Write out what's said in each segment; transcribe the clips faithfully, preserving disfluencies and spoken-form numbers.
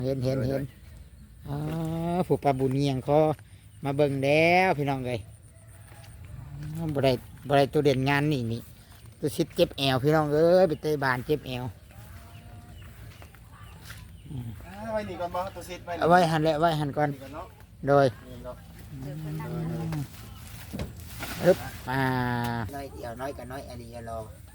เห็นเห็นเห็นอ๋อผู้ปลาบุญเงียงเขามาเบิ่งแล้วพี่น้องเลยบ่ได้บ่ได้ตัวเด่นงานนี่นี่ตัวชิดเจ็บแอวพี่น้องเอ้ยไปเตะบานเจ็บแอวไว้นี่ก่อนบ่ตัวซิดไว้เอาไว้หันแล้วไว้หันก่อนโดยปึ๊บมาน้อยเดียวน้อยกับน้อยอันนี้รอ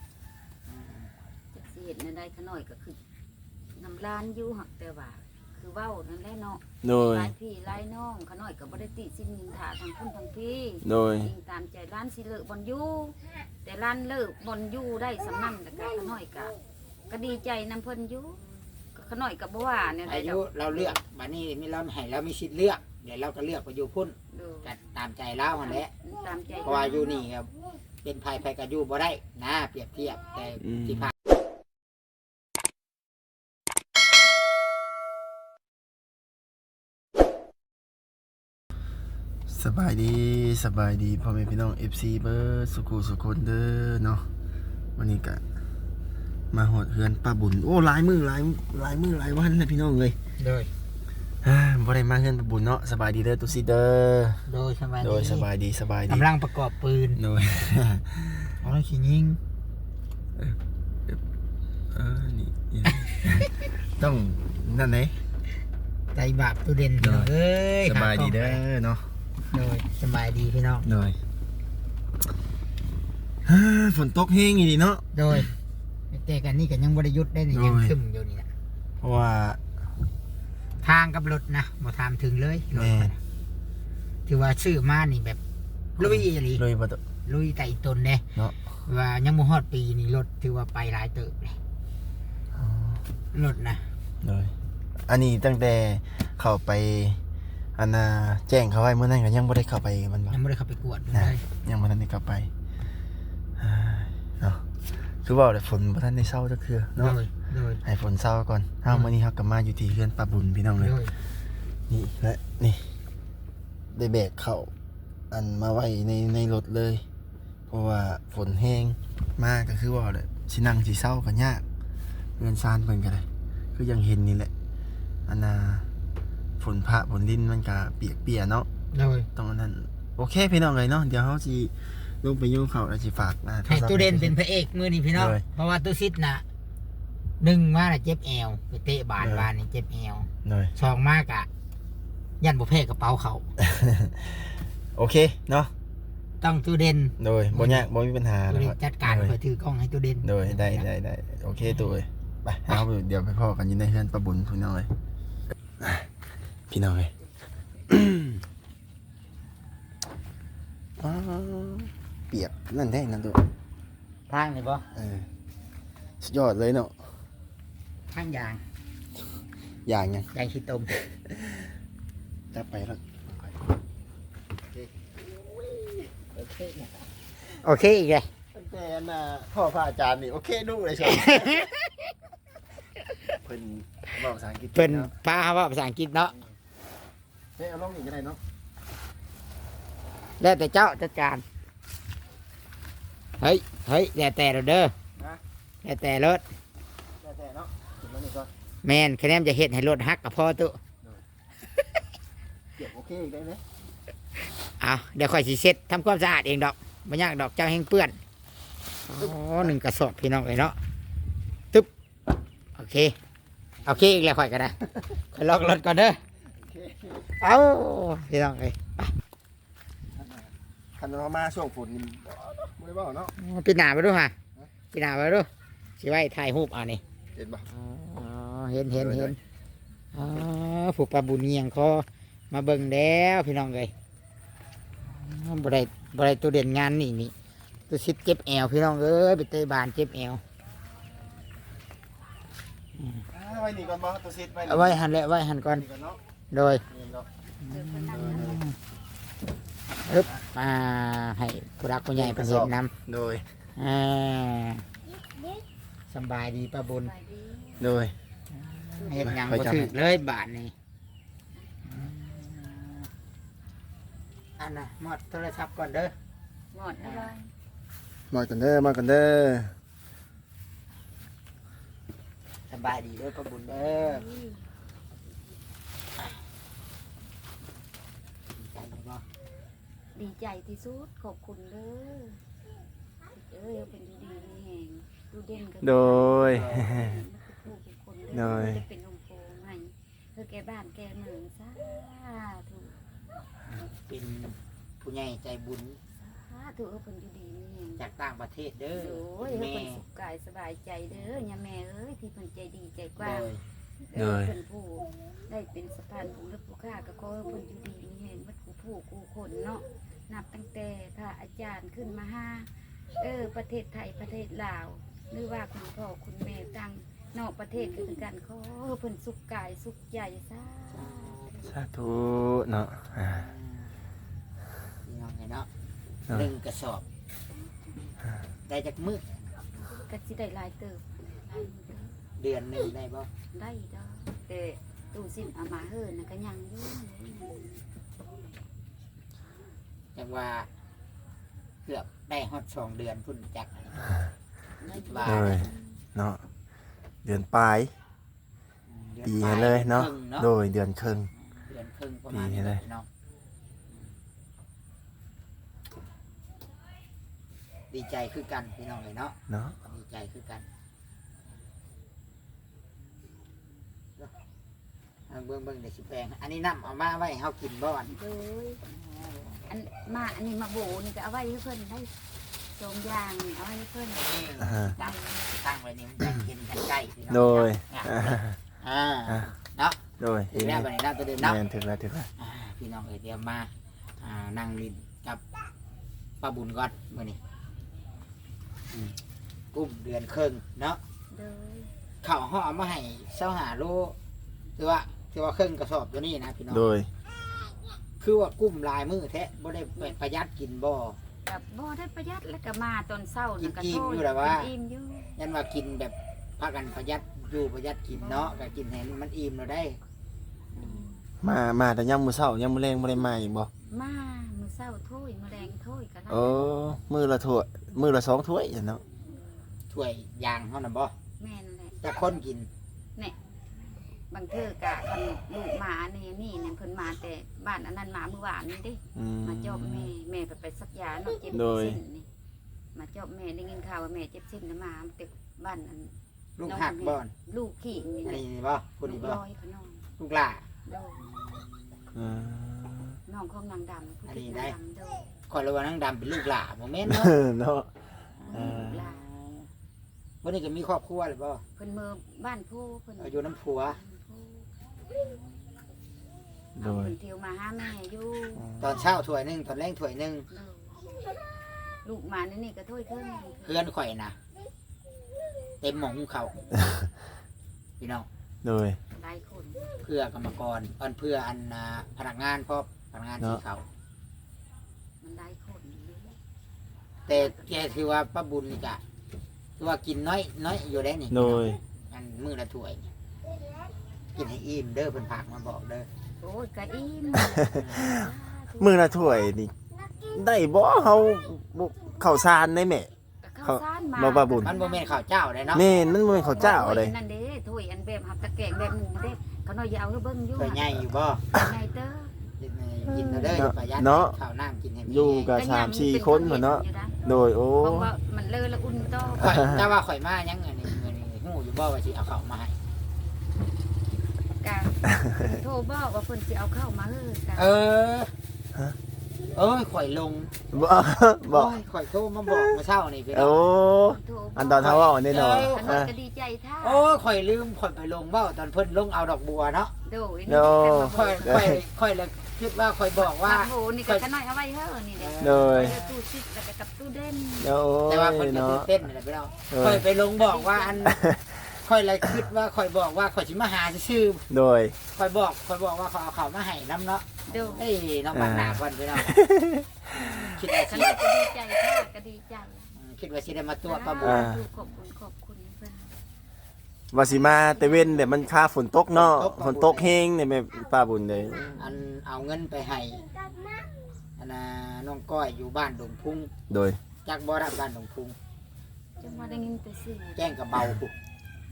สิเฮ็ดนั่นได้ขน้อยก็คือน้ำลานอยู่หักแต่ว่าคือเว้านั่นแหละเนาะโดยหลายพี่หลายน้องขน้อยก็บ่ได้ติสิ่งนินทาทางคุณทางพี่โดยจริงตามใจร้านสิเลิกบ่อนอยู่แต่ร้านเลิกบ่อนอยู่ได้สำนั้นแล้วก็ขน้อยก็ก็ดีใจนำเพิ่นอยู่ขน้อยก็บ่ว่าเนี่ยได้อายุเราเลือกบัดนี้มีเราให้เรามีสิทธิ์เลือกเดี๋ยวเราก็เลือกไปอยู่พุ่นก็ตามใจเราหั่นแหละตามใจเพราะว่าอยู่นี่ครับเป็นภัยภัยกับอยู่บ่ได้นะเปรียบเทียบแต่ที่ผ่านสบายดีสบายดีพ่อแม่พี่น้อง เอฟ ซี เบอร์สุขุสุคนเด้อเนาะวันนี้ก็มาหอดเฮือนป้าบุญโอ้หลายมือหลายหลายมือหลายวันเลยพี่น้องเลยโดยบ่ได้มาเฮือนป้าบุญเนาะสบายดีเด้อตุสิเด้อโดยสบายดีโดยสบายดีสบายดีกำลังประกอบปืนโดยเอาแล้วขี้ยิงเออเออนี่ต้องนั่นไหนใจบาปตัวเด่นพี่น้องเอ้ยสบายดีเด้อเนาะโดยสบายดีพี่น้องโดยฝนตกแห้งอีดีเนาะโดยแต่กันนี่ก็ยังบริยุทธ์ได้นี่ยังซึมอยู่นี่นะเพราะว่าทางกับรถนะมาทำถึงเลยรถถือว่าชื่อมานี่แบบลุยอะไรลุยประตูลุยไต่ตนเนี่ยเนาะว่ายังโมฮอดปีนี่รถถือว่าไปหลายเติบเลยรถนะโดยอันนี้ตั้งแต่เข้าไปอันน่ะแจ้งเขาไว้เมื่อนั้นก็ยังไม่ได้เข้าไปมันยังไม่ได้เข้าไปกวดนะยังไม่ได้เข้าไปเนาะคือว่าแต่ฝนพระท่านได้เศร้าจะคือเนาะให้ฝนเศร้าก่อนถ้าเมื่อนี้เขากลับมาอยู่ที่เฮือนป้าบุญพี่น้องเลยนี่และนี่ได้แบกเข่าอันมาไว้ในในรถเลยเพราะว่าฝนแห้งมากก็คือว่าเลยสินั่งสิเศร้ากันยากเรือนซานเพิ่นกันเลยคือยังเห็นนี่แหละอันน่ะฝนพระฝนลิ้นมันก็เปียกเปียเนาะตรงนั้นโอเคพี่น้องเลยเนาะเดี๋ยวเขาสิลงไปยุ่งเขาแล้วสิฝากนะให้ตู้เด่นเป็นพระเอกมือนี่พี่น้องเพราะว่าตู้ซิดนะหนึ่งมาเจ็บแอวไปเตะบานบานนี่เจ็บแอวสองมากอะยันบุเพกระเป๋าเขาโอเคเนาะต้องตู้เด่นโดยบ่ยากบ่มีปัญหาตู้เด่นจัดการเพื่อถือกล้องให้ตู้เด่นโดยได้ได้ได้โอเคตู้เลยไปเอาเดี๋ยวไปพ่อกันยินได้เฮือนป้าบุญพี่น้องเลยพี่น้องเลยเปียกนั่นแท้นั่นตัวทางนี่ป่ะเออสุดยอดเลยเนาะทางยางยางยังยางขี้ต้มจะไปแล้วโอเคอีกเลยแต่น่ะพ่อพระอาจารย์นี่โอเคดูเลยใช่เพิ่นบอกภาษาอังกฤษเพิ่นพาว่าภาษาอังกฤษเนาะเฮ้ยเอาลงอีกก็ได้เนาะแล้วแต่เจ้าจัดการเฮ้ยเฮ้ยแล้วแต่เราเด้อแล้วแต่รถแล้วแต่เนาะถึงแล้วนี่ก่อนแมนคะแนนจะเห็ดให้รถฮักกับพ่อตุเก็บโอเคอีกได้ไหมเอาเดี๋ยวค่อยสิเช็ดทำความสะอาดเองดอกไม่ยากดอกเจ้าแห้งเปื้อนอ๋อหนึ่งกระสอบพี่น้องเลยเนาะตึ๊บโอเคโอเคอีกแล้วค่อยกันนะค่อยล็อกรถก่อนเด้อเอาพี่น้องเลยคันเรามาช่วงฝนนี่ไม่ได้บอกเนาะปีหนาไปดูฮะปีหนาไปดูสิไว้ถ่ายรูปอ่ะนี่เห็นปะอ๋อเห็นเห็นเห็นอ๋อผูกปลาบุญเงียงเขามาเบิ่งแล้วพี่น้องเลยบ่ได้บ่ได้ตัวเด่นงานนี่นี่ตัวชิดเจ็บแอวพี่น้องเอ้ยไปเตะบานเจ็บแอวไว้นี่ก่อนบ่ตัวซิดไว้เอาไว้หันแล้วไว้หันก่อนโดยอึ๊บมาให้ผู้รักผู้ใหญ่เป็นเห็นนำโดยสบายดีป้าบุญโดยเห็นยังก็ถือเลยบาทนี่อันน่ะหมดโทรศัพท์ก่อนเด้อหมดอะไรมากันเด้อมากันเด้อสบายดีเด้อป้าบุญเด้อดีใจที่สุดขอบคุณเด้อเอ้ยเอาเป็นอยู่ดีมีแหงดูเด่นกันโดยผู้ทุกคนโดเด้อย ได้เป็นองค์โปให้เพื่อแก่บ้านแก่เมืองสาธุเป็นผู้ใหญ่ใจบุญสาธุเอาเป็นอยู่ดีมีแหงจากต่างประเทศเด้อโอ้ยเอาแม่เป็นสุขกายสบายใจเด้อย่าแม่เอ้ยที่เพิ่นใจดีใจกโดว้างยเด้อเพิ่นผู้ได้เป็นสะพานบุญและผู้ค้าก็ขอให้เพิ่นอยู่ดีมีแหงมัดกูผู้กูคนเนาะนับตั้งแต่พระอาจารย์ขึ้นมาห้าเออประเทศไทยประเทศลาวหรือว่าคุณพ่อคุณแม่ตั้งนอกประเทศก็คือกันขอให้เพิ่นสุขกายสุขใจซะสาธุเนาะอ่าพี่น้องไงเนาะเนาะหนึ่งกระสอบ ได้จากมือก็สิได้หลายเติบหลายมื้อเด้อเดือนหนึ่งได้บ่ได้ดอกแต่ตู้สินเอามาเฮินน่ะก็ยังอยู่จังว่าเกือบได้ฮอดสองเดือนพุ่นจักได้อยู่ว่าโดยเนาะเดือนปลายดือนปีปาให้เลยเนาะดือครึ่งโดยเดือนครึ่งเดือนครึ่งประมาณปีให้นี้เลยพี่น้องดีใจคือกันพี่น้องเลยเนาะเนาะดีใจคือกันเอาเบิ่งเบิ่งเดี๋ยวสิแปลงอันนี้น้ำเอามาไว้ให้เฮากินบ่อนโดยอันมาอันนี้มาโบนี่ก็เอาไว้ให้เพิ่นได้สองอย่างนี่เอาไว้ให้เพิ่นอ่าตั้งตั้งไว้นี่มันจะกินกันใกล้พี่น้องโดยอ่าอ่าอ่าเนาะโดยถึงแล้วบัดนี้น้ำตัวเดิมเนาะแม่นถึงแล้วถึงแล้วอ่าพี่น้องเอ้ยเดี๋ยวมาอ่านั่งลินกับป้าบุญก่อนมื้อนี้อืมกุ้มเดือนครึ่งเนาะโดยข้าวห่อมาให้เช้าหาโลคือว่าคือว่าครึ่งกระสอบตัวนี้นะพี่น้องโดยคือว่ากุ้มลายมือแท้บ่ได้ไปประหยัดกินบ่กับบ่ได้ประหยัดแล้วก็มาตอนเช้านี่ก็กินอิ่มโทษอยู่แล้วว่ากินอิ่มอยู่ยันว่ากินแบบพากันประหยัดอยู่ประหยัดกินเนาะก็กินให้มันอิ่มเราได้อืมมามาแต่ยามมื้อเช้ายามมื้อแลงบ่ได้มาอีกบ่มามื้อเช้าถ้วยมื้อแลงถ้วยก็ได้โอ้มื้อละถ้วยมื้อละสองถ้วยเนาะถ้วยยางเฮาน่ะบ่แม่นแหละแต่คนกินบางเทื่อกะคันลูกหมาเนี่ยนี่เนี่ยเพิ่นมาแต่บ้านอันนั้นมาเมื่อวานนี่เด้อืมมาจอบแม่แม่ไปไปสักยาเนาะเจ็บโดยเส้นนี่มาจอบแม่ได้ยินข่าวว่าแม่เจ็บเส้นนะมาแต่บ้านอันลูกหักบ่อนลูกขี้นี่อันนะนี้บ่พูดลูนี่กบ่ลอยเขาน้องลูกหล่าโดยอืมน้องของนางดำผู้อันตินี้ดได้นางดำโดยคอยระวังนางดำเป็นลูกหล่าบ่แม่นเนาะเนาะลูกหลานวันนี้ก็มีครอบครัวเลยบ่เพิ่นเมือบ้านผู้เพิ่นเอาอยู่น้ำผัวโดยเพิ่นเที่ยวมาหาแม่อยู่ตอนเช้าถ้วยหนึงตอนแรงถ้วยหนึงโดยลูกหมานี่นี่ก็ถ้วยครึ่งเพื่อนข่อยนะเต็มหมองเขาพี่น้องโดยหลายคนเพื่อกรรมกรอันเพื่ออันอ่าพนักงานพร้อมพนักงานที่เขามันหลายคนอยู่แต่แกคือว่าป้าบุญนี่กะคือว่ากินน้อยน้อยอยู่ได้นี่โดยอันมือละถ้วยนี่กินให้อิ่มเด้อเพิ่นผักมาบอกเด้อโอ้ยกะอิ่มมื้อละถ้วยนี่ได้บ่เฮาบ่ข้าวสารได้แม่ข้าวสารมาบ่บ่บุญมันบ่แม่นข้าวเจ้าได้เนาะแม่นมันบ่แม่นข้าวเจ้าเลยนั่นเด้ถ้วยอันแบบหับตะแกรงแบบหนึ่งเด้เขาน้อยอยาวให้เบิ่งอยู่ถ้วยใหญ่อยู่บ่ไงเด้อกินให้กินเอาเด้ออย่าประหยัดเนาะข้าวน้ำกินให้มีอยู่กับสามสี่คนพุ่นเนาะโดยโอ้เพราะว่ามันเลอะแล้วอุ่นต่อข่อยแต่ว่าข่อยมายังอันนี้อันนี้ฮู้อยู่บ่ว่าสิเอาข้าวมาให้กะโทรบอกว่าเพิ่นสิเอาเข้ามาเฮ้อกะเออเอ้ยข่อยลงบ่บ่โอ้ยข่อยโทรมาบอกเมื่อเช้านี่พี่น้โอ้องโทรบกอันตอนเฮาเว้าแน่นอนขนมก็ดีใจท่าโอ้ยข่อยลืมข่อยไปลงเว้าตอนเพิ่นลงเอาดอกบัวเนาะโดยโดข่อยข่อยข่อยเลยคิดว่าข่อยบอกว่าว่าโหนี่ก็ขน้อยเอาไว้เฮ้อนี่เด้โดยเดี๋ยวตู้ซิดแล้วก็กับตู้เด่นโอ้แต่ว่าเพิ่นยก็เนาะตื่นเต้นนั่นแหละพี่น้องเออข่อยไปลงบอกว่าอันข่อยเลยคิดว่าข่อยบอกว่าข่อยสิมาหาชื่อโดยข่อยบอกข่อยบอกว่าเขาเอาข้าวมาให้นํเนาะเดี๋ยวเฮ้ยน้องบางหน้าเพิ่นพี่น้องคิดว่าขสินมก็ดีใจท่าก็ดีใจคิดว่าสิได้มาตัวจป้าบุญอ่าขอบคุณขอบคุณเพิ่นว่าสิมาแต่เว้นเดี๋ยวมันค่าฝนตกเนาะฝนตกแฮงเนี่ยแม่ป้าบุญเลยอันเอาเงินไปให้อันน่ะน้องก้อยอยู่บ้านดงพุงโดยจักบ่รับบ้านดงพุงจังว่าได้ยินแต่เสียงแจ้งกับเบาพุ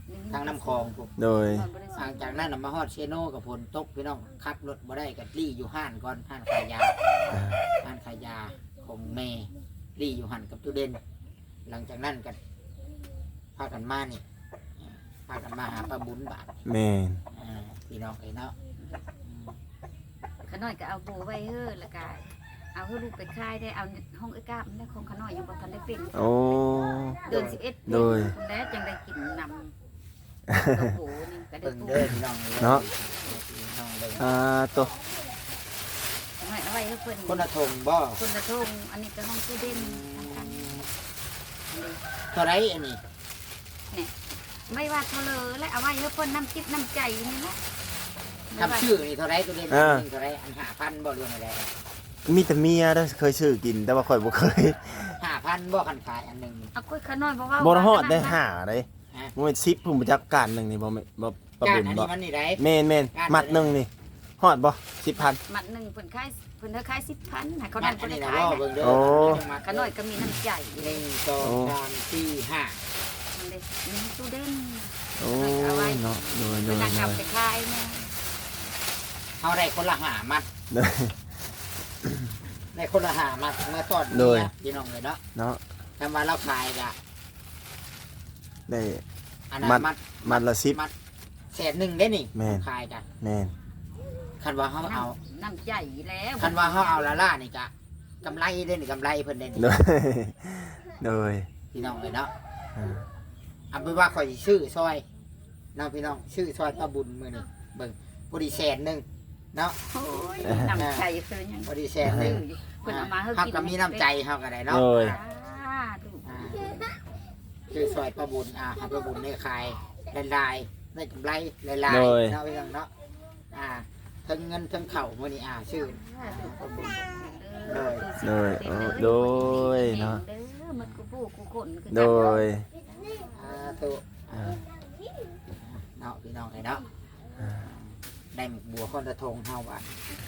ทางน้ำคลองพวกโดยหลังจากนั้นน่ะมาฮอดเชโนกับฝนตกพี่น้องขับรถบ่ได้กับลี่อยู่ห้านก่อนห้านขายยาอ่าห้านขายยาของแม่ลี่อยู่หันกับตู้เด่นหลังจากนั้นกันพากันมานี่พากันมาหาป้าบุญบาทแม่นอ่าพี่น้องไอ้เนาะขน้อยก็เอาโบไว้เฮ้อแล้วก็เอาเฮ้อลูกไปค่ายได้เอาห้องไอ้ก้ามันได้ของขน้อยยังบ่ทันได้เป็นโอ้เดือนสิบเอ็ดโดยแล้วจังได้กินนำตัวโบนี่ก็ได้เบิ่งปูเด้อพี่น้องอ้ยเนาะพี่น้องเบิ่งอ่าตัวขน้อยเอาไว้ให้เพิ่นคนละทงบ่คนละทงอันนี้ก็ห้องตู้เด่นทั้งเท่าไรอันนี้ๆไม่ว่าเท่าเลยและเอาไว้ให้เพิ่นน้ำจิตน้ำใจนี่นะทำชื่อนี่เท่าไรตู้เด่นอ่าเท่าไรอันห้าพันบ่เรื่องอะไรมีแต่เมียเด้อเคยซื้อกินแต่ว่าข่อยบ่เคยห้าพันบ่คันขายอันหนึ่งเอาก้อยขน้อยบ่ว่าบ่ฮอดได้หาได้ฮะบ่แม่นสิบผมจักการหนึงนี่บ่แม่นบ่ปะการบุญอันบ่นี้มันนี่ไรแม่นแม่นมัดหนึงนี่ฮอดบ่สิบพันมัดหนึ่งเพิ่นขายเพิ่นเธอขายสิบพันให้เขามันั่ดนอัเพิ่นนได้นี้นะขายบ่นะเบิ่งเด้อโอ้ขน้อยก็มีน้ำใจหนึ่งสองสามสี่ห้ามันได้มีตู้เด่นโอ้ยเนาะโดยโดเพิ่นยนั่งโดกลับยไปขายนะเอาได้คนละหามัดโดยได้คนละหามัดเมื่อตอนโดยนี้พี่น้องเลยเนาะเนาะทำมาเราขายกะได้อันนั้นมัดมัดมัดละสิบมัดแสนหนึ่งได้นี่แม่นขายกันแม่นคันว่าเขาเอาน้ำใจแล้วคันว่าเขาเอาละล่านี่กะกำไรได้นี่กำไรเพิ่นได้นี่โดยโดยพี่น้องเลยเนาะอ่าเอาไปนว่าคอยชื่อซอยเนาะพี่น้องชื่อซอยตะบุญมือนี่เบิ่งพอดีแสนหนึ่งเนาะโอ้ยน้ำใจเพิ่นยังพอดีแสนหนึ่งเพิ่นเอามาให้เขากินก็มีน้ำใจเขาก็ได้เนาะโดยอ่าดูอ่าชื่อซอยตะบุญอ่าให้ตะบุญได้ขายลายๆได้กำไรลายโดยๆเนาะพี่น้องเนาะอ่าทั้งเงินทั้งเข่ามือนี่อ่าชื่อตะบุญโดยโดยโอ้โดยเนาะเด้อมันกูผู้กูคนคือโดยอ่าถูกอ่าเนาะพี่น้องไอ้เนาะอ่าได้หมกบัวคนละทงเท่ากัน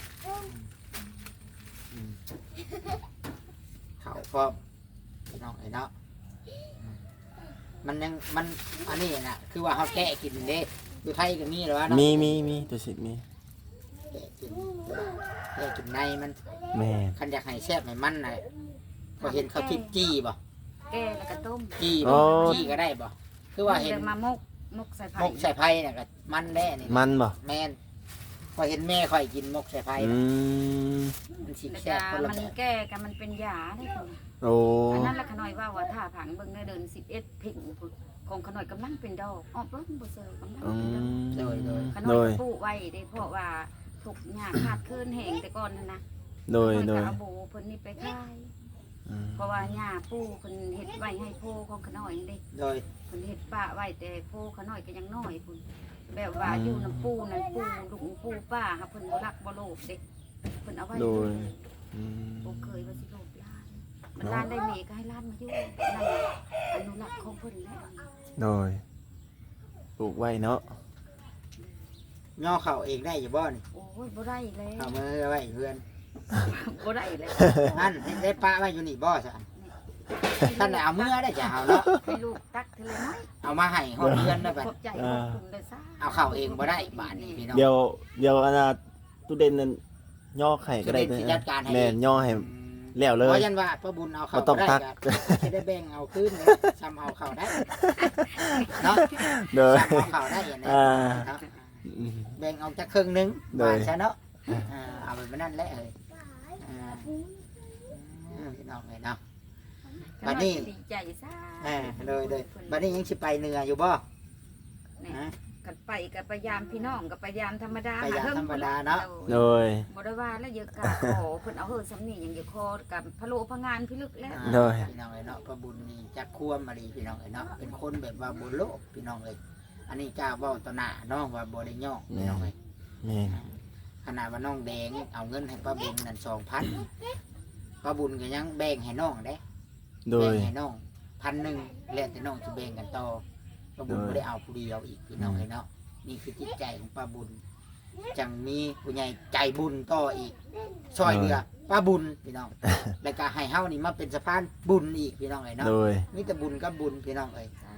อืมเขาก็พี่น้องไอ้เนาะอืมมันยังมันอันนี้นะคือว่าเขาแกะกินเด้อยู่ไทยก็มีหรอวะเนาะมีมีมีตัวสิมีแกะกินแกะกินในมันแม่นคันอยากให้แซ่บให้มันน่ะก็เห็นเขาทิพจี้บ่แกแล้วก็ต้มจี้บ่จี้ก็ได้บ่คือว่าเห็นดี๋ยมามกมกใส่ไผ่มกใส่ไผ่เนี่ยก็มันแน่นี่มันบ่แม่นพอเห็นแม่ค่อยกินมกใส่ไผ่อืมมันสิแล้วแซ่ก็บคนละมันแบบแก้กันมันเป็นยาได้พุ่นโอ้อันนั้นละขน่อยว่าว่าถ้าผังเบิ่งในเดินสิบเอ็ดพิงพุ่นของขน่อยกำลังเป็นดอกออกเบิ่งบ่เซอร์กำลังอืเป็นดอกมโดยโดยขน่โดอยยก็ปลูกไว้ได้เพราะว่าถูกหญ้าขาดคืนแห้งแต่ก่อนนั่นนะโดยขโดน่อยยก็เอาโบเพิ่นนี่ไปขายอืมเพราะว่าหญ้าปูเพิ่นเฮ็ดไว้ให้โพของขน่อยนี่เด้โดยเพิ่นเฮ็ดป้าไว้แต่โพขน่อยก็ยังน้อยพุ่นแบบว่าอยู่น้ำปูนั่นปูลุงปูป้าหาเพิ่นบ่รักบ่โลภเด้เพิ่นเอาไว้โดยอืมบ่เคยว่าสิโลภหลานมันหลานได้เมก็ให้หลานมาอยู่นั่นแหละอนุรักษ์ของเพิ่นแหละโดยปลูกไว้เนาะย่อเข่าเองได้อยู่บ่นี่โอ้ยบ่ได้แล้วเอามือไว้เพื่อนบ่ได้แล้วนั่นได้ปะไว้อยู่นี่บ่ซะท่านได้เอามือได้จะเอาเนาะให้ลูกตักเทเลน้อยเอามาให้ฮอดเพื่อนได้บัดขอบใจขอบคุณเลยซ่าเอาเข่าเองบ่ได้บาดนี้พี่น้องเดี๋ยวเดี๋ยวอันน่ะตู้เด่นนั่นย่อไข่ก็ได้ตู้เด่นสิจัดการให้แม่นย่อให้แล้วเลเพยราะยันว่าพระบุญเอาเข่าบ่ต้องได้ตักก็สิได้แบ่งเอาคืนเลยซ้ำเอาเข่าได้เนาะโดยซ้ำเอาเข่าได้อย่างนี้อ่าเนาะอืมแบ่งเอาจากครึ่งหนึงโดยบาทซะเนาะอ่าเอาไปนั่นแหละเอ้ยอ่าอืมพี่น้องเลยเนาะ บัดนี้ดีใจซ่าอ่าเลยเลยบัดนี้ยังสิไปเหนืออยู่บ่นี่ฮะกันไปกับพยายามพี่น้องกับพยายามธรรมดาพยายามหธรรมดาเนาะโดยบ่ได้ว่าแล้วเยอะกะขอเพิ่นเอาเฮือสำนีอย่างเดียวคอกับพะโลพะงานพิลึกแล้วโดยพี่น้องเลยเนาะพระบุญนี่จักควมมาดีพี่น้องเลยเนาะเป็นคนแบบว่าบุญโลกพี่น้องเลยอันนี้กล้าเว้าต่อหน้าเนาะว่าบ่ได้ย่องพี่น้องเลยแม่นขนาดว่าน้องแดงเอาเงินให้ป้าบุญนั่นสองพันป้าบุญก็ยังแบ่งให้น้องเด้โดแบ่ยงให้น้องพันหนึ่งแล้วแต่น้องจะแบ่งกันต่อป้าบุญโดยไม่ได้เอาผู้เดียวอีกพี่น้องเลยเนาะนี่คือจิตใจของป้าบุญจังมีผู้ใหญ่ใจบุญต่ออีกซอยเรือป้าบุญพี่น้อง แล้วก็ให้เฮานี่มาเป็นสะพานบุญอีกพี่น้องเลยเนาะโดยมีแต่บุญกับบุญพี่น้องเลยสา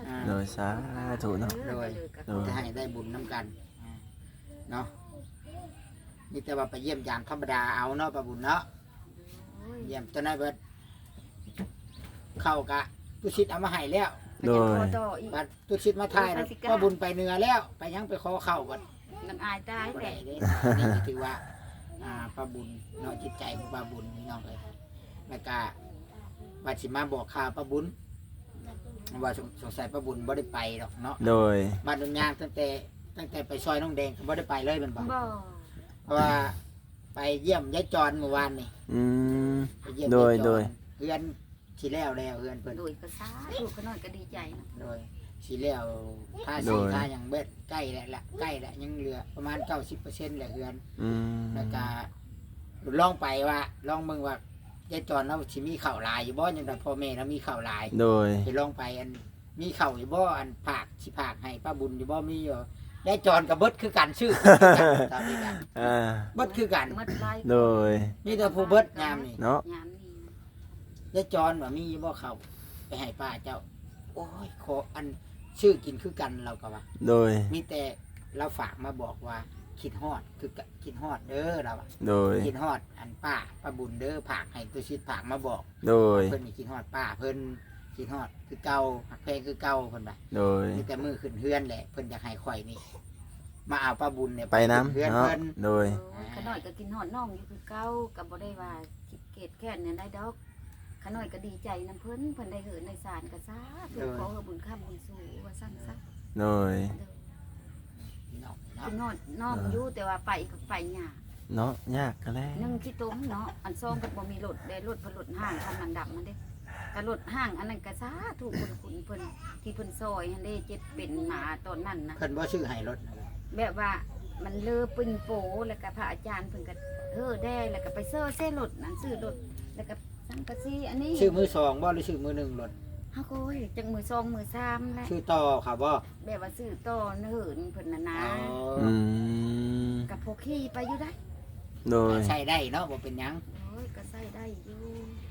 อ่าโดยสาธุเนาะโดยโดยจะให้ได้บุญน้ำกันอ่าเนาะนี่แต่ว่าไปเยี่ยมยามธรรมดาเอาเนาะป้าบุญเนาะเยี่ยมจนได้เบิดเข้ากะตุชิดเอามาให้แล้วโดยต่ออีกบัดตุชิดมาทายนะป้าบุญไปเหนือแล้ว ไปยังไปขอเข้าบัดน้ำอายตายบ่แต่ได้เด้นี่ก็ถือว่าอ่าป้าบุญเนาะจิตใจของป้าบุญนี่น้องเอ้ยแล้วก็บัดสิมาบอกข่าวป้าบุญว่าสงสงสัยป้าบุญบ่ได้ไปหรอกเนาะโดยบ้านดอนยางตั้งแต่ตั้งแต่ไปซอยน้องแดงก็บ่ได้ไปเลยแมันบ่บ่เพราะว่าไปเยี่ยมยายจรเมื่อวานนี่อืมไปเยี่ยมโดยายจรโดยเพื่อนสิแล้วแล้วเพื่อนเพิ่นโดยกระซ่าลูกขน้อยก็ดีใจนะโดยสิแล้วท่าสีท่าอย่างเบ็ดใกล้แล้วละใกล้แล้วยังเหลือประมาณเก้าสิบเปอร์เซ็นต์แหละเพื่อนอืมแล้วก็ลองไปว่าลองเบิ่งว่ายายจรเราสิมีข้าวหลายอยู่บ่จังได๋พ่อแม่เรามีข้าวหลายโดยสิลองไปอันมีข้าวอยู่บ่อันผากสิผากให้ป้าบุญอยู่บ่มีอยู่ยายจรกับเบิดคือกันชื่อคือกันตามนี้กันอ่าเบิดคือกันหมดไล่โดยมีแต่ผู้เบิดยามนี่เนาะยามนี้ยายจรว่ามีบ่เขาไปให้ป้าเจ้า โอ้ยขออันชื่อกินคือกันเราก็ว่าโดยมีแต่เราฝากมาบอกว่าคิดฮอดคือกะคิดฮอดเด้อเราอะโดยคิดฮอดอันป้าป้าบุญเด้อผากให้ตัวชิดผากมาบอกโดยเพิ่นนี่คิดฮอดป้าเพิ่นคิดฮอดคือเก่าหักแพงคือเก่าเพิ่นว่าโดยมีแต่มือขึ้นเฮือนแหละเพิ่นอยากให้ข่อยนี่มาเอาป้าบุญเนี่ยไปน้ำเฮือนเนาะเพิ่นโดยโอ้ยขน้อยก็กินหอดน้องอยู่คือเก่าก็บ่ได้ว่าคิดเกตแค่นั้นได้ดอกขน้อยก็ดีใจนํเพิ่นเพิ่นได้เหินได้สารก็ซาถูกขอบุญค้ำบุญสู่ว่าซั่นซะโดยเนาะเนาะกินหอดน้องอยู่แต่ว่าไปก็ไปยากเนาะยากกันแล้วนึ่งที่ต้มเนาะอันซองก็บ่มีรถได้รถเพนรถห้างคันมันดับมันเด้ก็รถห้างอันนั้นก็ซาถูกคนคุณเพิ่นที่เพิ่นซอยหันเด้เจ็บเป็นหมาตอนนั้นนะเพิ่นบ่ชื่อให้รถนะแบบว่ามันเลอปึ้งโปแล้วก็พระอาจารย์เพิ่นก็เฮ้อได้แล้วก็ไปเซอร์เซ่รถนั่นซื้อรถแล้วก็สังกะสีอันนี้ชื่อมือสองบ่หรือชื่อมือหนึ่งรถเฮาก็โอ้ยจังมือซองมือสามแหละชื่อต่อครับบ่แบบว่าซื้อต่อเหินเพิ่นน่ะนะอ๋ออืมกับพวกขี่ไปอยู่ได้โดยใช้ได้เนาะบ่เป็นหยังโอ้ยก็ใส่ได้อยู่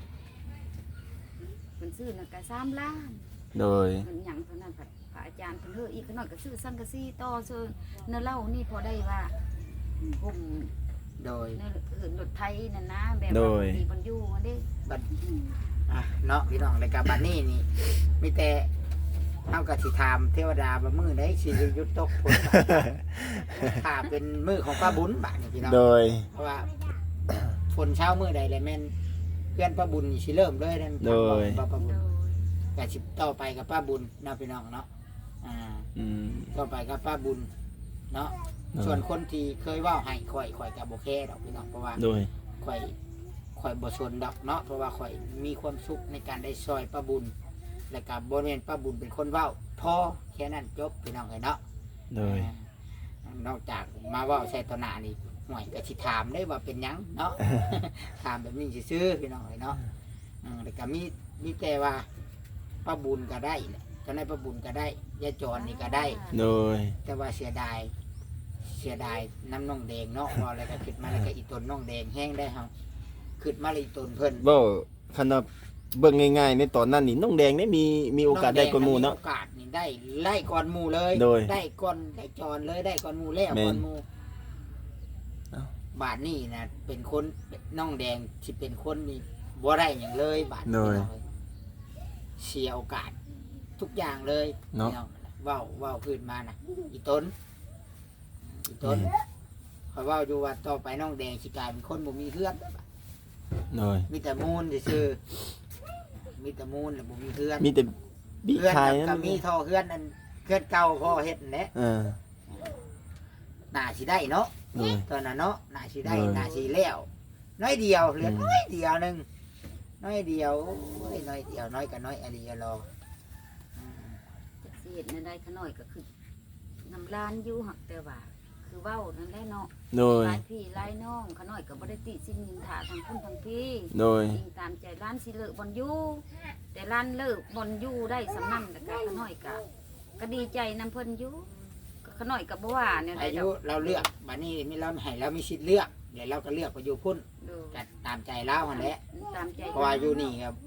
เพิ่นซื้อน่ะก็สามล้านโดยเพิ่นหยังเท่านั้นพระพระอาจารย์เพิ่นเฮ้ออีกขน้อยก็ซื้อสังกะสีต่อซื้อเนื้อเหล้านี่พอได้ว่าห่มโดยเนื้อเหินรถไทยนั่นนะแบบว่ามีบนอยู่อันเด้บัดอ่ะเนาะพี่น้องรายการบัดนี้นี่มีแต่เฮาก็สิถามเทวดาว่ามื้อใดสิหยุดตกฝนถ้าเป็นมื้อของป้าบุญบัดนี้พี่น้องโดยเพราะว่าฝนเช้ามื้อใดแล้วแม่นเพื่อนป้าบุญนี่สิเริ่มเลยนั่นโดยป้าป้าบุโดญยก็สิต่อไปกับป้าบุญเนาะพี่น้องเนาะอ่าอืมต่อไปกับป้าบุญเนาะ ส่วนคนที่เคยเว่าให้ข่อยข่อยกับโบเคดอกพี่น้องเพราะว่าโดยข่อยข่อยบสนดอกเนาะเพราะว่าข่อยมีความสุขในการได้ซอยป้าบุญ และกับบริเวณป้าบุญเป็นคนเว้าพอแค่นั้นจบพี่น้องเลยเนาะโดยอ่านอกจากมาเว่าใส่ตวหนานี่ห่วยก็สิถามได้ว่าเป็นหยังเนาะ ถามแบบนี้ซื่อๆพี่น้องเลยเนาะอืมแต่ก็มีมีแต่ว่าป้าบุญก็ได้แหละเจ้าในายป้าบุญก็ได้ยายจรนี่ก็ได้โดยแต่ว่าเสียดายเสียดายน้ำน่องแดงเนาะว่าอะไรก็ขึ้นมาแล้วก็อีตนน่องแดงแห้งได้เฮาขึ้นมาเลยอีตนเพิ่นบ่คันว่าเบิ่งง่ายๆในตอนนั้นนี่น้องแดงได้มีมีโอกาสได้กว่าหมู่เนาะโอกาสนี่ได้ไล่ก่อนหมู่เลยโดยได้ก่อนได้จอนเลยได้ก่อนหมู่แล้วแม่นก่อนหมู่เอ้าบาทนี่นะเป็นคนน่องแดงที่เป็นคนนี่บ่ได้อย่างเลยบาทโดยนี่เลยเสียโอกาสทุกอย่างเลยเนาะพี่องเว้าเว้าขึ้นมานะอีตนอีตน เขาเว่าอยู่ว่าต่อไปน้องแดงสิกลายเป็นคนบ่มีเพื่อนโดยมีแต่มูลซื่อๆมีแต่มูลแล้วบ่มีเพื่อนมีแต่บีเพื่อนคายก็นั่นมีท่อเพื่อนอันเพื่อนเก่าพ่อเฮ็ดนั่นแหละเออน่าสิได้เนาะโดยตอนนั้นเนาะน่าสิได้เออน่าสิแล้วน้อยเดียวเหลืออืมน้อยเดียวหนึงน้อยเดียวโอ้ยน้อยเดียวน้อยก็น้อยอะไรอย่ารออืมจักสิเฮ็ดแนวใดขน้อยก็คือน้ำลานอยู่หักแต่ว่า คือเว้านั่นแหละเนาะโดยหลายพี่หลายน้องขน้อยก็บ่ได้ติสินินทาทางคุณทางพี่โดยจริงตามใจร้านสิเลิกบอนอยู่แต่ร้านเลิกบอนอยู่ได้สำนั่นแต่ก็ขน้อยก็ก็ดีใจนำเพิ่นอยู่ก็ขน้อยก็บ่ว่าเนี่ยได้อาดยุอกเราเลือกบัดนี้มีเราให้เรามีสิทธิ์เลือกเดี๋ยวเราก็เลือกไปอยู่พุ่นดูก็ตามใจเราหั่นแหละตามใจเพราะว่าอยู่นี่ครับ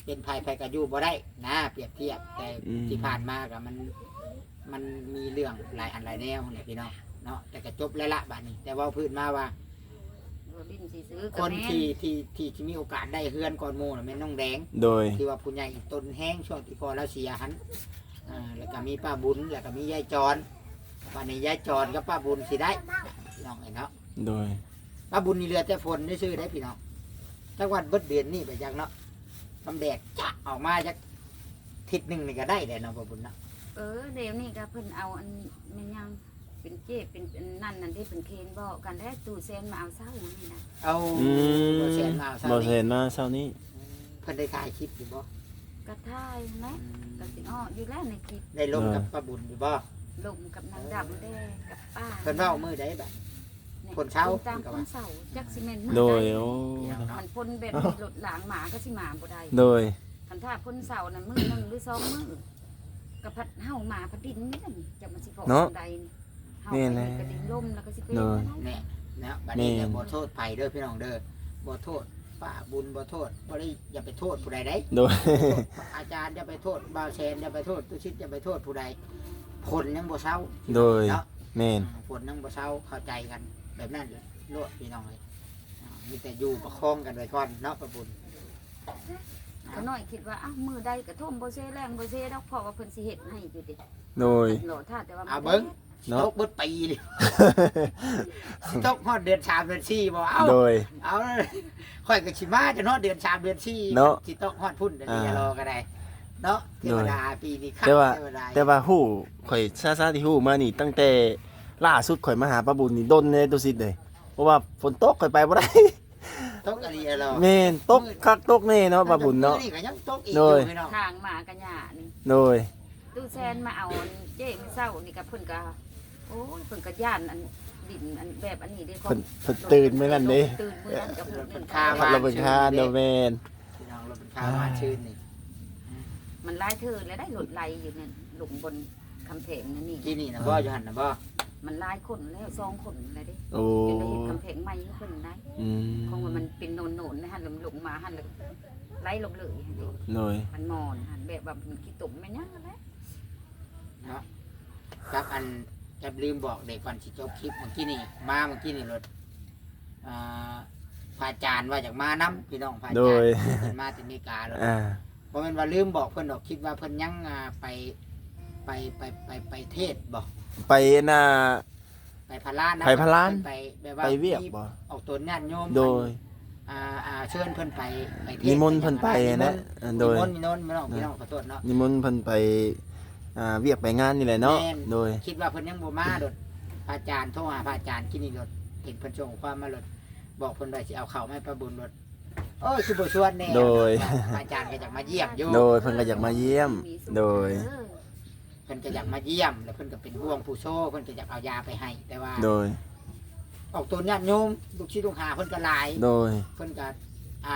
เป็นภัยภัยก็อยู่บ่ได้นะเปรียบเทียบแต่ที่ผ่านมาก็มันมันมีเรื่องหลายอันหลายแนวเนี่ยพี่น้องเนาะแต่ก็จบแล้วละบัดนี้แต่เว่าพื้นมาว่าดินสิซื้อคก็นแม่นที่ที่ที่ที่มีโอกาสได้เฮือนก่อนหมู่น่ะแม่นน้องแดงโดยที่ว่าผู้ใหญ่ต้นแห้งช่วงที่พอแล้วเสียหันอ่าแล้วก็มีป้าบุญแล้วก็มียายจรวันนี้ยายจรกับป้าบุญสิได้พี่น้องเห็นเนาะโดยป้าบุญนี่เรือแต่ฝนได้ซื้อได้พี่น้องจังหวัดเบิดเดือนนี่ไปจังเนาะทำแดดจะออกมาจากทิศหนึ่งนี่ก็ได้เลยเนาะป้าบุญเนาะเออเดี๋ยวนี้ก็เพิ่นเอาอันแม่นยังเป็นเจ๊เป็นอันนั่นนั่นที่เป็นเคนบอกกันได้ตู้เซนมาเอาเศร้าอย่างนี้นะเอาอืมบ่แสนมาเอาซะบ่นี่เห็นมาเช้านี้เพิ่นได้ถ่ายคลิปอยู่บ่กระท่ายไหมกระสิอ้ออยู่แล้วในคลิปได้ลงกับป้าบุญอยู่บ่ลมกับนางดำแด้กับป้าเพิ่นเว้ามือได้แบบ คนเช้าตามคนเสาจักสิเมนโดยโอ้มันพ่นแบบมีรถหลางหมาก็สิหมาบ่ได้โดยคันถ้าพ่นเสานั่นมือหนึงหรือสองมือกับพัดเฮาหมาพัดดินนี่นั่นจะมันสิพอใดนี่เฮาไปกระดิ่งลมแล้วก็สิเป็นนั่นเนี่ยนะบัดนี้เนี่ยบ่โทษไผเด้อพี่น้องเด้อบ่โทษป้าบุญบ่โทษบ่ได้อย่าไปโทษผู้ใดได้โดยอาจารย์อย่าไปโทษบ่าวแซนอย่าไปโทษตุชิตอย่าไปโทษผู้ใดผลยังบ่เศร้าโดยเนาะแม่นผลยังบ่เศร้าเข้าใจกันแบบนั้นเลยโลดพี่น้องเลยอ่ามีแต่อยู่ประคองกันไว้ก่อนเนาะป้าบุญก็น้อยคิดว่าอ้าวมือใดกระท่มบ่เซแรงบ่เซดอกเพราะว่าเพิ่นสิเฮ็ดให้อยู่ดิโดยโหลท่าแต่ว่าเอาเบิ่งเนาะตกเบิดปีเลยสิตกฮอดเดือนสามเดือนสี่บ่เอาโดยเอาเลยค่อยก็สิมาจะเนาะเดือนสามเดือนสี่เนาะสิตกฮอดพุ่นเดือนนี้อ่ารอก็ได้เนาะเทวดาปีนี้ครับแต่ว่าเทวดาแต่ว่าฮู้ข่อยซาๆที่ฮู้มานี่ตั้งแต่ล่าสุดข่อยมาหาป้าบุญนี่ดนเลยตัวสิเลย เพราะว่าฝนตกข่อยไปบ่ได้ตกอะไรรอแม่นตกคักตกแน่เนาะป้าบุญเนาะนี่ก็ยังตกอีกโดอย ยู่พี่น้องทางหมากระหยานี่โดยตู้แซนมาเอาอันเจ้มื้อเช้านี่ก็เพิ่นก็โอ้ยเพิ่นก็ย่านอันดินอันแบบอันนี้เด้เพิ่นเพิ่นตื่นมื้อนั้นเด้ตื่นมื้อนั้นกับเพิ่นเพิ่นข้าข้าวขับรถเป็นคาโดยแม่นพี่น้องเราเป็นข้าวมาชื่นนี่มันลายเธอแล้วได้หลดไหลอยู่เนี่ยหลุมบนคำแพงนั่นนี่ที่นี่นะบ่อยู่หันนะบ่มันลายคนแล้วซองคนแล้วเด้โอ้จนได้เห็นคำแพงใหม่ให้เพิ่นได้อืมคงว่ามันเป็นโนนๆนะฮะลมลงมาหันแล้วไหลลงเลยหั่นเด้โดยมันมอนหันแบบว่ามันขี้ตุ่มแม่นยังนั่นแหละเนาะครับอันจะลืมบอกเด็กก่อนสิจบคลิปเมื่อกี้นี่มาเมื่อกี้นี่รถอ่าพระอาจารย์ว่าอยากมานํพี่น้องพระอาโดจารยย์เพิ่นมาที่อเมริกาแล้วอ่าบ่แม่นว่าลืมบอกเพิ่นดอกคิดว่าเพิ่นยังอ่าไปไปไปไปไปเทศบ่ไปน่ะไปพารานนะไปพารานไปแบบว่าไปเวียกบ่ออกตัวญาติโยมโดยอ่าอ่าเชิญเพิ่นไปไปเทศนิมนต์เพิ่นไปนะนิโดยมนต์นิมนต์พี่น้องพี่น้องขอโทษเนาะนิมนต์เพิ่นไปอ่าเวียกไปงานนี่แหละเนาะแม่นโดยคิดว่าเพิ่นยังบ่มาโดดพระอาจารย์โทรหาพระอาจารย์กินนี่โดดเห็นเพิ่นส่งความมาโดดบอกเพิ่นว่าสิเอาข้าวมาให้ประบุญโดดโอ้ยสิบ่ชวนแน่โดยพระอาจารย์ก็อยากมาเยี่ยมอยู่โดยเพิ่นก็อยากมาเยี่ยม โดยเออเพิ่นก็อยากมาเยี่ยมแล้วเพิ่นก็เป็นห่วงผู้โชเพิ่นก็อยากเอายาไปให้ แต่ว่าโดยออกตัวญาติโยมลูกศิษย์ลูกหาเพิ่นก็หลายโดยเพิ่นก็อ่า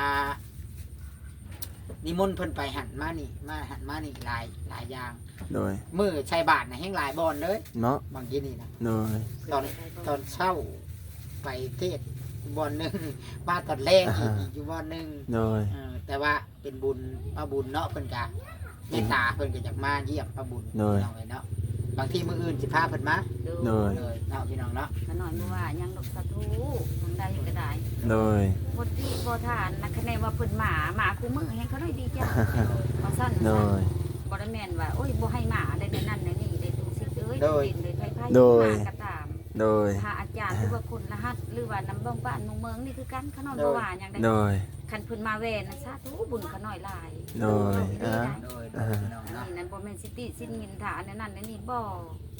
นิมนต์เพิ่นไปหันมานี่มาหันมานี่หลายหลายอย่างโดยมื้อใช้บาทน่ะแฮงหลายบ่อนเลยเนาะบางทีนี่นะโดยตอนตอนเช้าไปเทศบ่อนหนึงมาตอนแรกอีกอีกอยู่บ่อนหนึงโดยเออแต่ว่าเป็นบุญพระบุญเนาะเพิ่นก็เมตตาเพิ่นก็อยากมาเยี่ยมพระบุญโดยพี่น้องเอ้ยเนาะบางทีมื้ออื่นสิพาเพิ่นมาโดยเลยเนาะพี่น้องเนาะขน้อยบ่ว่ายังดอกสาธุทางใดก็ได้โดยบ่ตีบ่ทานนะคะแนนว่าเพิ่นหมาหมาคู่มือให้เขาได้ดีจ้ะว่าซั่นโดยบ่ได้แม่นว่าโอ้ยบ่ให้หมาได้ในนั้นในนี่ได้ทุกสิ่งเอ้ยดินเลยไผๆโดยหมากระตามโดยถ้าอาจารย์หรือว่าคนรหัสหรือว่าน้ำบ้องบ้านเมืองเมืองนี่คือกันขน้อยบ่ว่าหยังได้โดยคันเพิ่นมาแว่นนะสาธุบุญขน้อยหลายโดยดีอ่าได้โดยโดยพี่น้องอันเนาะนี้นั่นบ่แม่นสิติสิ้นเงินฐานอันนั้นอันนี้บ่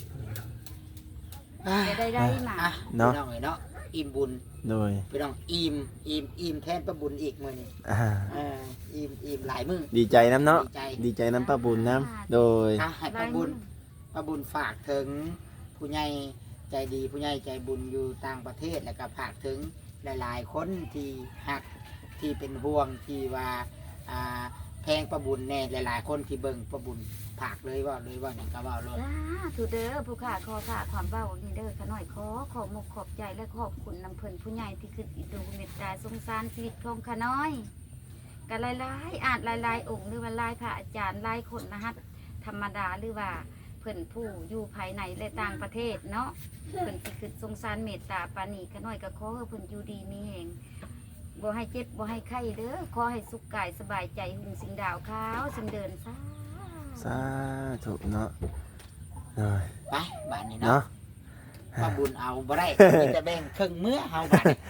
ได้ได้ได้มาอ่ะเนาะพี่น้องเอ้ยเนาะอิ่มบุญโดยพี่น้องอิ่มอิ่มอิ่มแทนพระบุญอีกมื้อนี้อ่าเอออิ่มอิ่มหลายมื้อดีใจน้ำเนาะดีใจดีใจน้ำป้าบุญน้ำโดยอ่ะให้พระบุญพระบุญฝากถึงผู้ใหญ่ใจดีผู้ใหญ่ใจบุญอยู่ต่างประเทศแล้วก็ฝากถึงหลายๆ คนที่หักที่เป็นห่วงที่ว่าอ่าแพงประบุญแน่หลายๆ คนที่เบิ่งประบุญฝากเลยว่าเลยว่าอย่างก็ว่าเลยสาธุเด้อผู้ข้าขอฝากความเว้านี่เด้อขน้อยขอขอบมกขอบใจและขอบคุณนำเพิ่นผู้ใหญ่ที่คืออิดูเมตตาสงสารชีวิตของขน้อยก็หลายๆอาจหลายๆองค์หรือว่าหลายพระอาจารย์หลายคนนะฮะธรรมดาหรือว่าเพิ่นผู้อยู่ภายในและต่างประเทศเนาะเพิ่นสิคือสงสารเมตตาปราณีก็น้อยก็ขอให้เพิ่นอยู่ดีมีแรงบ่ให้เจ็บบ่ให้ไข้เด้อขอให้สุขกายสบายใจหุ่งสิงดาวขาวสิงเดินซาสาธุเนาะเลยไปบ้านนี้เนาะเนาะป้าบุญเอาบ่ได้มีแต่แบ่งครึ่งมื้อเฮาบัดนี้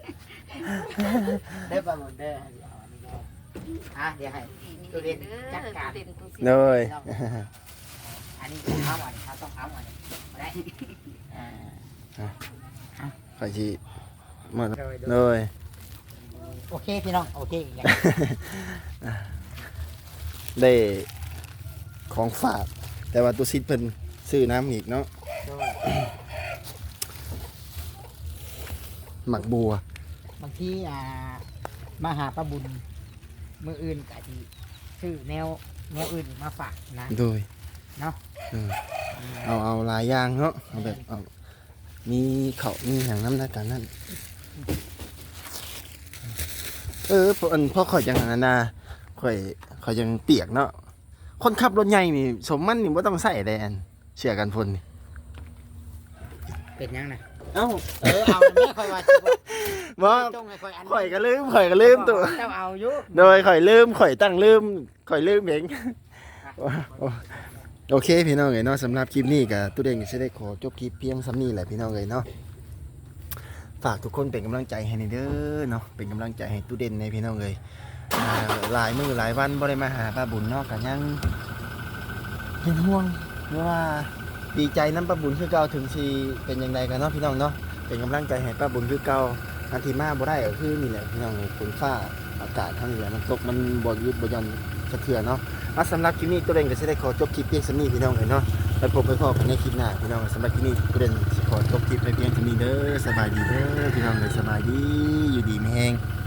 ได้ป้าบุญเด้อเอาอันนี้เด้ออ่ะเดี๋ยวให้ตัวเรียนจัดการเลยอันนี้เอาอันนี้เขาต้องเอาอันนี้บ่ได้อ่าขอชีหมดโดยโดยเลยโอเคพี่น้องโอเคอีกอย่างได้ของฝาก แต่ว่าตัวซิดเพิ่นซื้อน้ำอีกเนาะโดยหมักบัวบางทีอ่ามาหาป้าบุญมืออื่นกะทีซื้อแนวแนวอื่นมาฝากนะโดยเนาะเออเอาเอาหลายอย่างเนาะเอาแบบเอามีเขาวมีอย่างน้ำหน้ากันนั่นเออพออันพ่อข่อยยังอันนั้นนะข่อยข่อยยังเปียกเนาะคนขับรถใหญ่นี่สมมันนี่ว่าต้องใส่แดนเชื่อกันพนนี่เป็นยังนะเอ้าเออเอาแม่ค่อยว่าสิบ่บ่จงให้ค่อยอันข่อยก็ลืมข่อยก็ลืมตัวเจ้าเอาอยู่โดยข่อยลืมข่อยตั้งลืมข่อยลืมเองโอเคพี่น้องเอ๋ยเนาะสำหรับคลิปนี้กับตู้เด่งจะได้ขอจบคลิปเพียงซ้ำนี้แหละพี่น้องเอ๋ยเนาะฝากทุกคนเป็นกำลังใจให้ในเด้อเนาะเป็นกำลังใจให้ตู้เด่นในพี่น้องเอ๋ยอ่าหลายมื้อหลายวันบ่ได้มาหาป้าบุญเนาะก็ยังเป็นห่วงหรือว่าดีใจน้ำป้าบุญคือเก่าถึงสิเป็นยังไงกันเนาะพี่น้องเนาะเป็นกำลังใจให้ป้าบุญคือเก่าอันที่มาบ่ได้ก็คือนี่แหละพี่น้องเอ๋ยฝนฟ้าอากาศทั้งนี้แหละมันตกมันบ่หยุดบ่หย่อนสะเทือนเนาะ อ่ะสำหรับคลิปนี้ตัวเด่นก็จะได้ขอจบคลิปเพียงสำนี้พี่น้องเลยเนาะไปพบไปพบกันในคลิปหน้าพี่น้องสำหรับคลิปนี้ตัวเด่นขอจบคลิปไปเพียงสำนี้เด้อสบายดีเด้อพี่น้องเลยสบายดีอยู่ดีไม่แห้ง